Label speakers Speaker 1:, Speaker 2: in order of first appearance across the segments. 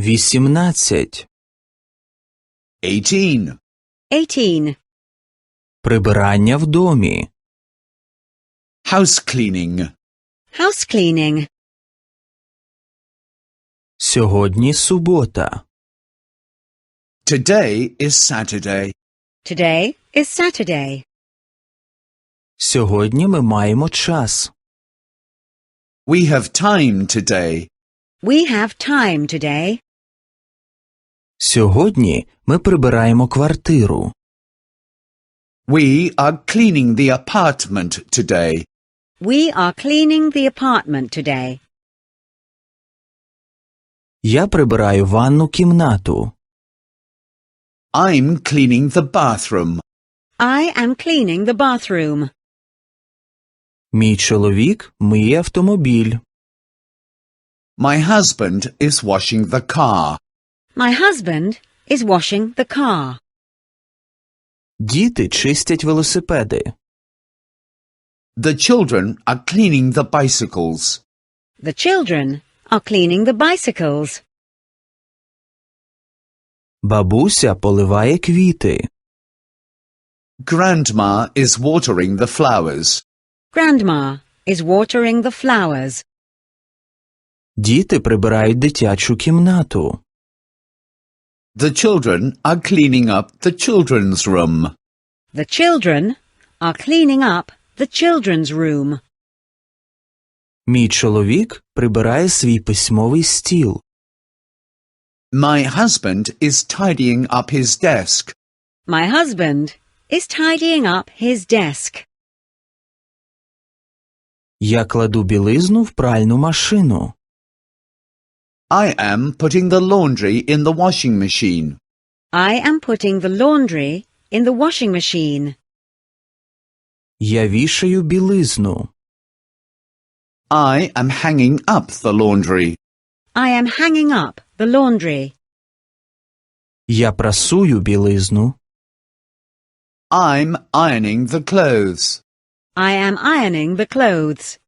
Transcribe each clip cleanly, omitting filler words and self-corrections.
Speaker 1: 18.
Speaker 2: 18.
Speaker 3: 18.
Speaker 1: Прибирання в домі.
Speaker 2: House cleaning.
Speaker 3: House cleaning.
Speaker 1: Сьогодні субота.
Speaker 2: Today is Saturday.
Speaker 3: Today is Saturday.
Speaker 1: Сьогодні ми маємо час.
Speaker 2: We have time today.
Speaker 3: We have time today.
Speaker 1: Сьогодні ми прибираємо квартиру.
Speaker 2: We are cleaning the apartment today.
Speaker 3: We are cleaning the apartment today.
Speaker 1: Я прибираю ванну кімнату.
Speaker 2: I'm cleaning the bathroom.
Speaker 3: I am cleaning the bathroom.
Speaker 1: Мій чоловік миє автомобіль.
Speaker 2: My husband is washing the car.
Speaker 3: My husband is washing the car.
Speaker 1: Діти чистять велосипеди.
Speaker 2: The children are cleaning the bicycles.
Speaker 3: The children are cleaning the bicycles.
Speaker 1: Бабуся поливає квіти.
Speaker 2: Grandma is watering the flowers.
Speaker 3: Grandma is watering the flowers.
Speaker 1: Діти прибирають дитячу кімнату.
Speaker 2: The children are cleaning up the children's room.
Speaker 3: The children are cleaning up the children's room.
Speaker 1: Мій чоловік прибирає свій письмовий стіл.
Speaker 2: My husband is tidying up his desk.
Speaker 3: My husband is tidying up his desk.
Speaker 1: Я кладу білизну в пральну машину.
Speaker 2: I am putting the laundry in the washing machine.
Speaker 3: I am putting the laundry in the washing machine.
Speaker 1: Я вішаю білизну.
Speaker 2: I am hanging up the laundry.
Speaker 3: I am hanging up the laundry.
Speaker 1: Я прасую білизну.
Speaker 2: I'm ironing the clothes.
Speaker 3: I am ironing the clothes.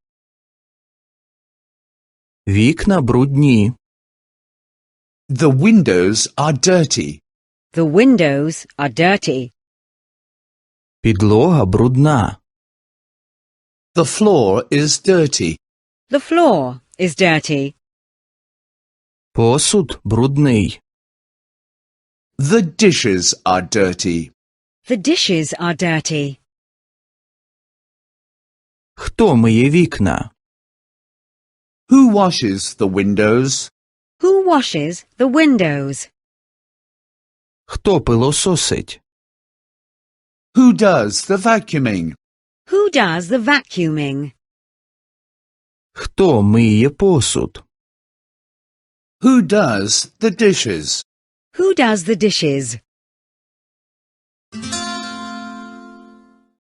Speaker 1: Вікна брудні.
Speaker 2: The windows are dirty.
Speaker 3: The windows are dirty.
Speaker 1: Підлога брудна.
Speaker 2: The floor is dirty.
Speaker 3: The floor is dirty.
Speaker 1: Посуд брудний.
Speaker 2: The dishes are dirty.
Speaker 3: The dishes are dirty.
Speaker 1: Хто миє вікна?
Speaker 2: Who washes the windows?
Speaker 3: Who washes the windows?
Speaker 1: Хто пилососить?
Speaker 2: Who does the vacuuming?
Speaker 3: Who does the vacuuming?
Speaker 1: Хто миє посуд?
Speaker 2: Who does the dishes?
Speaker 3: Who does the dishes?